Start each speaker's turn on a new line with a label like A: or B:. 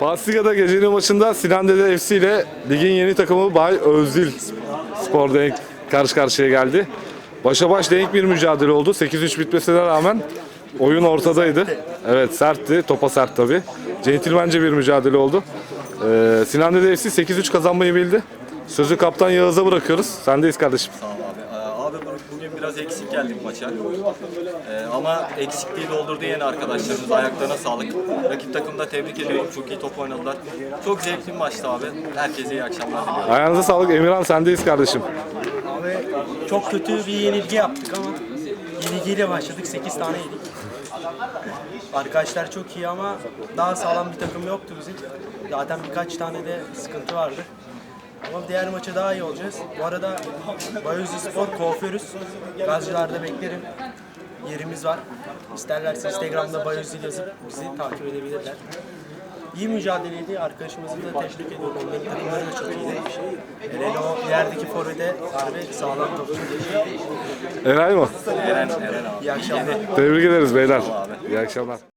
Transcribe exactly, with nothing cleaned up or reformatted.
A: Pastiga'da gecenin maçında Sinan Dede F C ile ligin yeni takımı Bay Özdil Spor denk karşı karşıya geldi. Başa baş denk bir mücadele oldu. sekiz üç bitmesine rağmen oyun ortadaydı. Evet, sertti. Topa sert tabii. Centilmence bir mücadele oldu. Ee, Sinan Dede F C sekiz üç kazanmayı bildi. Sözü kaptan Yağız'a bırakıyoruz. Sendeyiz kardeşim.
B: Sağ ol abi. Ee, Abi bugün biraz eksik geldik maça. Ee, ama eksikliği doldurdu yine arkadaşlarımız. Ayaklarına sağlık. Rakip takımı da tebrik ediyorum. Çok iyi top oynadılar. Çok zevkli bir maçtı abi. Herkese iyi akşamlar diliyorum.
A: Ayağınıza sağlık. Emirhan, sendeyiz kardeşim.
C: Abi çok kötü bir yenilgi yaptık ama yenilgiyle başladık. sekiz tane yedik. Arkadaşlar çok iyi ama daha sağlam bir takım yoktu bizim. Zaten birkaç tane de sıkıntı vardı. Ama diğer maça daha iyi olacağız. Bu arada Bayozlu Spor kuaförüz. Gazcılar'da beklerim. Yerimiz var. İsterlerse Instagram'da Bayozlu yazıp bizi takip edebilirler. İyi mücadeleydi. Arkadaşımızı da tebrik ediyorum. Onların takımları da çok iyiydi. Hele hele o yerdeki forvete harbi sağlam topçu.
A: Eray mı?
B: Eren, Eren abi.
C: İyi akşamlar.
A: Tebrik ederiz beyler. İyi akşamlar.